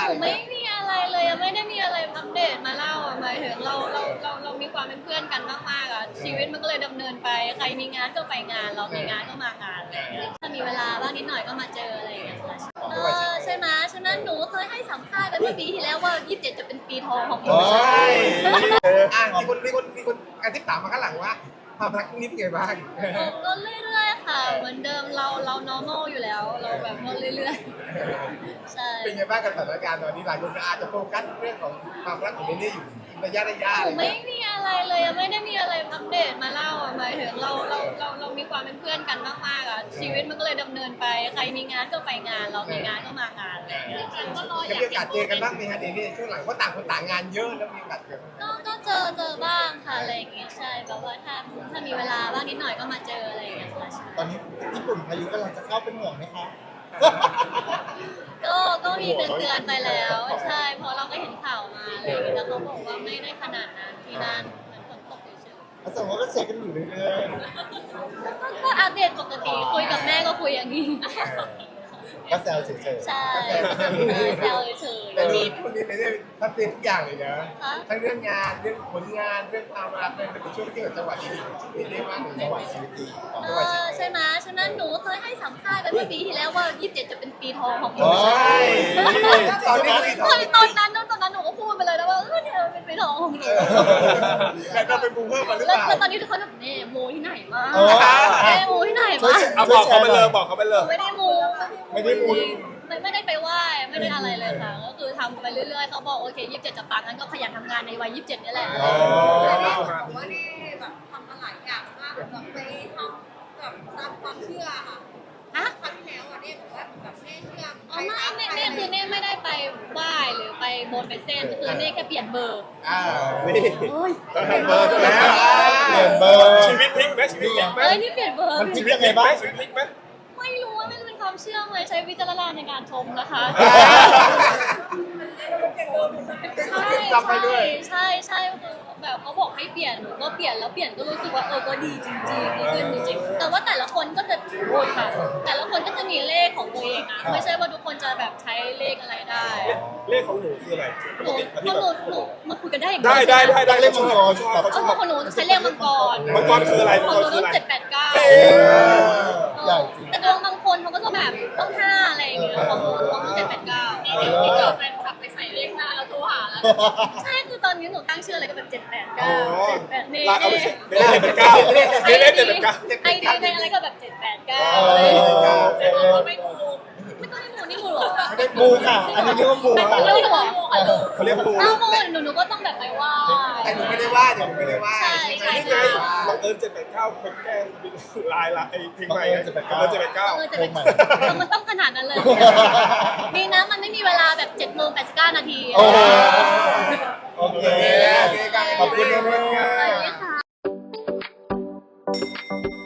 อะไรไม่มีอะไรเลยไม่ได้มีอะไรอัปเดตมาเล่าหมายถึงเรามีความเป็นเพื่อนกันมากๆอ่ะชีวิตมันก็เลยดำเนินไปใครมีงานก็ไปงานเรามีงานก็มางานอะไรอย่างเงี้ยถ้ามีเวลาบ้างนิดหน่อยก็มาเจออะไรอย่างเงี้ยค่ะใช่ไหมฉะนั้นหนูเคยให้สัมภาษณ์ไปเมื่อปีที่แล้วว่า27จะเป็นปีทองของหนูใช่มีคนการที่ถามมาข้างหลังว่าความรักนี้เป็นไงบ้างก็เรื่อยๆค่ะเหมือนเดิมเรา normal อยู่แล้วเราแบบว่าเรื่อยๆใช่เป็นไงบ้างกับสถานการณ์ตอนนี้หลายคนอาจจะโฟกัสเรื่องของความรักของเนเน่อยู่ระยะอะไรไม่มีอะไรเลยไม่ได้มีอะไรอัปเดตมาเล่าหมายถึงเรามีความเป็นเพื่อนกันมากๆอ่ะชีวิตมันก็เลยดำเนินไปใครมีงานก็ไปงานเรามีงานก็มางานอะไรอย่างเงี้ยก็รออจะยากมีโอกาสเจอกันบ้างไหมฮะเนเน่ช่วงหลังเพราะต่างคนต่างงานเยอะแล้วมีโอกาสเจอกันก็เจอบ้างค่ะอะไรอย่างเงี้ยใช่แบบว่าถ้ามีเวลาบ้างนิดหน่อยก็มาเจออะไรอย่างเงี้ยค่ะตอนนี้ญี่ปุ่นพายุกำลังจะเข้าเป็นห่วงไหมคะก็มีเตือนไปแล้วใช่เพราะเราก็เห็นข่าวมาอะไรอย่างเงี้ยแล้วเขาบอกว่าไม่ได้ขนาดนั้นที่นั่นเหมือนฝนตกเฉยแล้วสมมติก็เช็คกันอยู่เรื่อยๆก็อัปเดตปกติคุยกับแม่ก็คุยอย่างนี้ๆก็แซวเฉยใช่แซวเฉยแต่นี่คนนี้เนเน่ทัดเจนทุกอย่างเลยนะๆคะทั้งเรื่องงานเรื่องผลงานเรื่องความรักเรื่องเป็นช่วงที่กับจังหวะดีๆเนเน่มากเลยๆจังหวะชีวิตดีใช่ไหมฉะนั้นหนูเคยให้สัมภาษณ์ไปเมื่อปีที่แล้วว่า27จะเป็นปีทองของหนูโอ้ใช่ยตอนนี้คือตอนนั้นหนูก็พูดไปเลยนะว่าเนี่ยเป็นปีทองของหนูแล้วก็เป็นบูมเพิ่มมาหรือแล้เปวล่าตอนนี้ทุกคนแบบเนี่ยโมที่ไหนมาโอ้โมที่ไหนมาเอาบอกเขาไปเลยบอกเขาไปเลยไม่ได้โมไม่ได้มูลไม่ได้ไปไหว้ไม่ได้อะไรเลยค่ะก็คือทำไปเรื่อยๆเขาบอกโอเค27จะปังงั้นก็ขยันทำงานในวัย27นี่แหละอ๋อผมว่านี่แบบทำมาหลายอย่างมากแบบไปทำแบบตามความเชื่อค่ะฮะครั้งที่แล้วอ่ะเนี่ยบอกว่าแบบเน่เชื่ออ๋อไม่คือเน่ไม่ได้ไปไหว้หรือไปบนไปเส้นคือเน่แค่เปลี่ยนเบอร์อ่านี่เฮ้ยต้องทำเบอร์ด้วยนะเปลี่ยนเบอร์ชีวิตพลิกไหมชีวิตพลิกไหมเฮ้ยนี่เปลี่ยนเบอร์มันพลิชีกวิตพลิกไหมชีวิตพลิกไหมไม่รู้ว่าไม่เป็นความเชื่อเลยใช้วิจารณญาณในการชมนะคะใช่แบบเขาบอกให้เปลี่ยนหนูก็เปลี่ยนแล้วเปลี่ยนก็รู้สึกว่าก็ดีจริงๆดีขึ้นจริงๆแต่ว่าแต่ละคนก็จะโอ้ยค่ะแต่ละคนก็จะมีเลขของตัวเองนะไม่ใช่ว่าทุกคนจะแบบใช้เลขอะไรได้เลขของหนูคืออะไรหนูมาคุยกันได้อย่างได้เล่นมังกรชอบเขาชอบของหนูใช้เลขมังกรมังกรคืออะไรขมัองงหกรนูคือต้อะองไร 789 ใหญ่จริงแต่ดวงบางคนเขาก็จะแบบต้อง5อะไรอย่างเงี้ยของหนู789ที่เกิดแฟนคลับไปใส่เลขหน้าแล้วโทรหาแล้วใช่คือตอนนี้หนูตั้งชื่ออะไรก็แบบ789 78นี่ลาเอาไปเลขเป็นเก้าเลขเป็นเก้าไอดีในอะไรก็แบบ789 เออะไรอย่างเงี้ยอแต่บอกว่าไม่ถูกไม่ต้องให้หมูนี่หมูหรอมูค่ะ อันนี้เรียกว่ามูค่ะไม่ถูกหรอเขาเรียกปูอ้าวหนูก็ต้องแบบไปไหว้แต่หนูไม่ได้ว่าเดี๋ยวหนูไม่ได้ว่าใช่นี่ไงบังเอิญ789คนแก้ลายละไอ้เพลงใหม่ไงบังเอิญ789 จะเป็นมันต้องขนาดนั้นเลยดีนะมันไม่มีเวลาแบบ7:89 นาทีโอ้โหโอเคโอเคครับขอบคุณแม่สวัสดีค่ะ